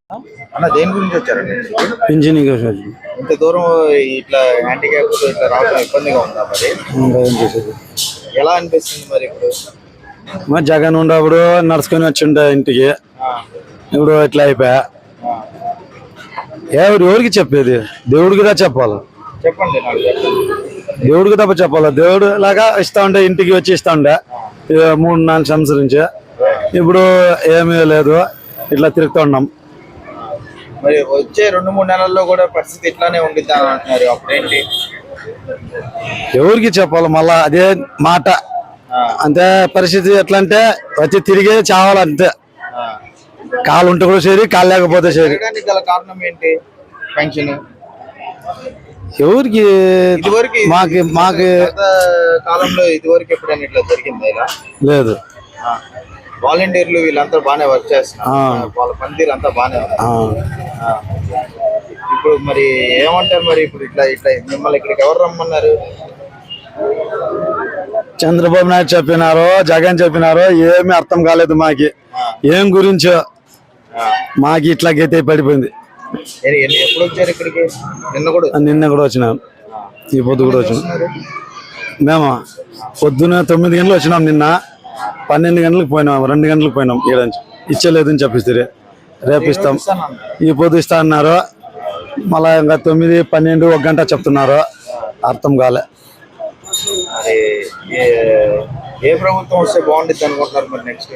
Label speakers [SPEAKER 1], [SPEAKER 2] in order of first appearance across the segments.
[SPEAKER 1] అన్న దేని గురించి వచ్చారండి?
[SPEAKER 2] పింఛన్ కోసం
[SPEAKER 1] ఇంత దూరం ఇట్లా హ్యాండిక్యాప్ ఇట్లా రావడం ఇబ్బందిగా ఉందా మరి?
[SPEAKER 2] ఏం చేసేది.
[SPEAKER 1] ఎలా అనిపిస్తుంది మరి ఇప్పుడు?
[SPEAKER 2] మరి జగన్ ఉన్నప్పుడు నడుచుకొని వచ్చిండే ఇంటికి, ఇప్పుడు ఇట్లా అయిపోయా. ఎవరికి చెప్పేది? దేవుడికి దా చెప్పాలి.
[SPEAKER 1] చెప్పండి నాకు చెప్పండి.
[SPEAKER 2] దేవుడికి తప్ప చెప్పాలి. దేవుడు లాగా ఇస్తా ఉండే, ఇంటికి వచ్చి ఇస్తా ఉండే 3-4 సంవత్సరం నుంచి. ఇప్పుడు ఏమీ లేదు, ఇట్లా తిరుగుతూ ఉన్నాం.
[SPEAKER 1] మరి వచ్చే 2-3 నెలల్లో కూడా పరిస్థితి ఇట్లానే ఉండిద్దా అంటున్నారు, అప్పుడేంటి?
[SPEAKER 2] ఎవరికి చెప్పాలి? మళ్ళా అదే మాట. అంతే పరిస్థితి. ఎట్లా అంటే వచ్చి తిరిగే చావాలి అంతే. కాలు ఉంటే కూడా సరి, కాలు లేకపోతే సరి.
[SPEAKER 1] గల కారణం ఏంటి? పెన్షన్
[SPEAKER 2] ఎవరికి? మాకు
[SPEAKER 1] కాలంలో ఇదివరకు ఎప్పుడైనా ఇట్లా జరిగిందా ఇలా?
[SPEAKER 2] లేదు.
[SPEAKER 1] వాలంటీర్లు వీళ్ళంతా బాగానే వర్క్ చేస్తున్నారు, వాళ్ళ పనితీరు అంతా బాగానే ఉంది. ఇప్పుడు మరి ఏమంటారు మరి? ఇప్పుడు ఇట్లా ఇట్లా మిమ్మల్ని ఇక్కడికి ఎవరు రమ్మన్నారు?
[SPEAKER 2] చంద్రబాబు నాయుడు చెప్పినారో, జగన్ చెప్పినారో ఏమీ అర్థం కాలేదు మాకి. ఏం గురించో మాకి ఇట్లా గీతే పడిపోయింది.
[SPEAKER 1] ఎప్పుడు వచ్చారు ఇక్కడికి?
[SPEAKER 2] నిన్న కూడా వచ్చినాం, ఈ పొద్దు కూడా వచ్చినాం. మేము పొద్దున 9 గంటలు వచ్చినాం. నిన్న 12 గంటలకు పోయినాం, 2 గంటలకు పోయినాం. ఇచ్చలేదని చెప్పిస్తే రేపు ఇస్తాం, ఈ పొద్దు ఇస్తా అన్నారు. మళ్ళా ఇంకా 9, 12, 1 గంట చెప్తున్నారు. అర్థం కాలే.
[SPEAKER 1] ఏ ప్రభుత్వం వస్తే బాగుంటుంది అనుకుంటున్నారు మరి నెక్స్ట్?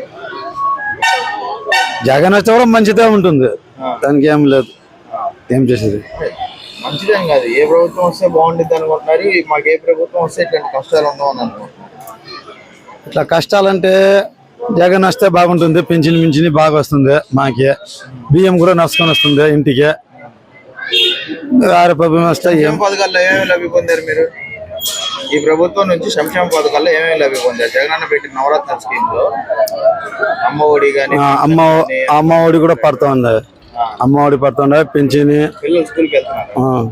[SPEAKER 2] జగన్ వస్తే కూడా మంచిదే ఉంటుంది, దానికి ఏం లేదు. ఏం చేసేది?
[SPEAKER 1] మంచిదేం కాదు, ఏ ప్రభుత్వం వస్తే బాగుంటుంది అనుకుంటున్నారు. మాకు ఏ ప్రభుత్వం వస్తే ఇట్లాంటి కష్టాలు ఉండవు అని అనుకుంటున్నారు.
[SPEAKER 2] ఇట్లా కష్టాలంటే జగన్ వస్తే బాగుంటుంది. పింఛన్ బాగా వస్తుంది మాకి. బియ్యం కూడా నడుచుకొని వస్తుంది ఇంటికి. వేరే ప్రభుత్వం వస్తే ఏం
[SPEAKER 1] పథకాల్లో ఏమేమి లబ్ధి పొందారు మీరు? ఈ ప్రభుత్వం నుంచి సంక్షేమ పథకాల్లో ఏమేమి లబ్ధి పొందారు? జగనన్న పెట్టిన నవరత్న స్కీమ్ లో అమ్మ ఒడి కానీ,
[SPEAKER 2] అమ్మ ఒడి కూడా పడుతూ ఉంది. అమ్మ ఒడి పడుతుండే, పింఛన్.
[SPEAKER 1] పిల్లలు స్కూల్కి వెళ్తున్నారు.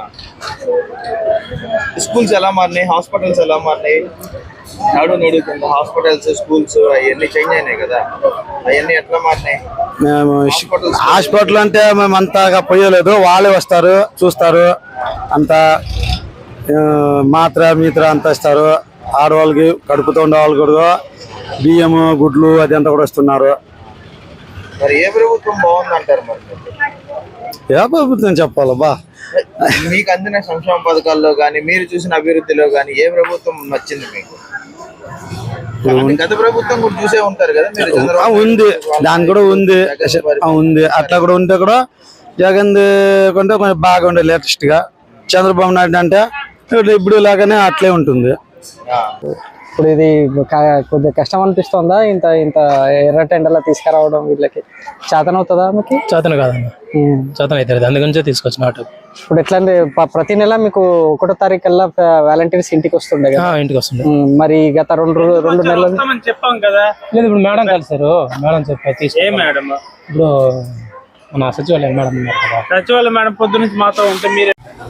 [SPEAKER 1] స్కూల్స్ ఎలా మారినాయి? హాస్పిటల్స్ ఎలా మారినాయి? నడుతుంది హాస్పిటల్స్, స్కూల్స్ అవన్నీ చేంజ్ అయినాయి కదా, అవన్నీ ఎట్లా మారినాయి?
[SPEAKER 2] మేము హాస్పిటల్ అంటే మేము అంతగా పోయలేదు. వాళ్ళే వస్తారు, చూస్తారు. అంతా మాత్ర అంతా ఇస్తారు. ఆడవాళ్ళకి కడుపుతో ఉండే వాళ్ళు కూడా బియ్యము, గుడ్లు అది అంతా కూడా ఇస్తున్నారు.
[SPEAKER 1] మరి ఏ ప్రభుత్వం బాగుంది అంటారు? మరి
[SPEAKER 2] ఏ ప్రభుత్వం చెప్పాలి బా?
[SPEAKER 1] మీకు అందిన సంక్షేమ పథకాల్లో కానీ, మీరు చూసిన అభివృద్ధిలో కానీ ఏ ప్రభుత్వం నచ్చింది మీకు? గత ప్రభుత్వం కూడా చూసే ఉంటారు కదా మీరు.
[SPEAKER 2] ఉంది, దాని కూడా ఉంది. అట్లా కూడా ఉంటే కూడా జగన్ కొంటే కొంచెం బాగా ఉండే లేటెస్ట్ గా. చంద్రబాబు నాయుడు అంటే ఇప్పుడు లాగానే అట్లే ఉంటుంది.
[SPEAKER 3] ఇప్పుడు ఇది కొద్దిగా కష్టం అనిపిస్తుందా? ఇంత ఎర్ర టెండర్లా తీసుకురావడం వీళ్ళకి చేతన అవుతుందా? మీకు
[SPEAKER 4] చేతన కాదన్న, చేతన అవుతుంది. అందుగురించే తీసుకొచ్చిన ఆటో.
[SPEAKER 3] ఇప్పుడు ఎట్లా అంటే ప్రతి నెల మీకు 1వ తారీఖు కల్లా వాలంటీర్స్ ఇంటికి వస్తుండే కదా?
[SPEAKER 4] ఇంటికి వస్తుండే.
[SPEAKER 3] మరి గత 2 నెలలు
[SPEAKER 4] చెప్పాం కదా. లేదు, ఇప్పుడు మేడం కలిసారు. మేడం చెప్పారు ఇప్పుడు మన సచివాలయం మేడం ఉన్నారు కదా.
[SPEAKER 5] సచివాలయం మేడం పొద్దు నుంచి మాతో ఉంటే మీరే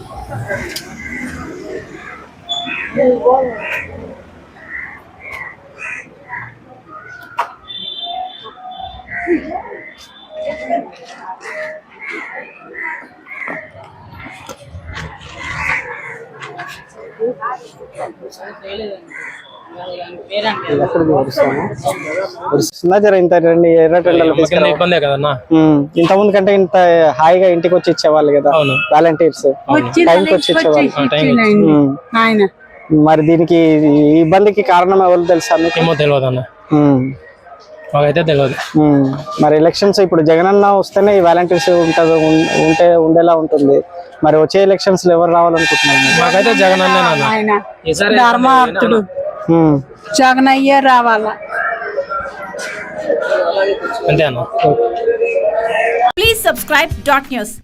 [SPEAKER 3] ఇంత ఎర్ర టెండర్లు
[SPEAKER 4] ఇబ్బందే కదన్నా.
[SPEAKER 3] ఇంత ముందు కంటే ఇంత హాయిగా ఇంటికి వచ్చి ఇచ్చేవాళ్ళు కదా వాలంటీర్స్, టైంకి వచ్చి ఇచ్చేవాళ్ళు. మరి దీనికి ఇబ్బందికి కారణం ఎవరు తెలుసా?
[SPEAKER 4] ఏమో తెలియదు అన్న, మాకైతే తెలియదు.
[SPEAKER 3] మరి ఎలక్షన్స్ ఇప్పుడు జగనన్న వస్తేనే ఈ వాలంటీర్స్ ఉండేలా ఉంటుంది. మరి వచ్చే ఎలక్షన్స్ లో ఎవరు రావాలనుకుంటున్నారు?
[SPEAKER 4] మాకైతే జగన్
[SPEAKER 6] ధర్మార్థుడు జగన్ అయ్యే రావాలా
[SPEAKER 4] అంతే అన్న.
[SPEAKER 7] Please subscribe .news.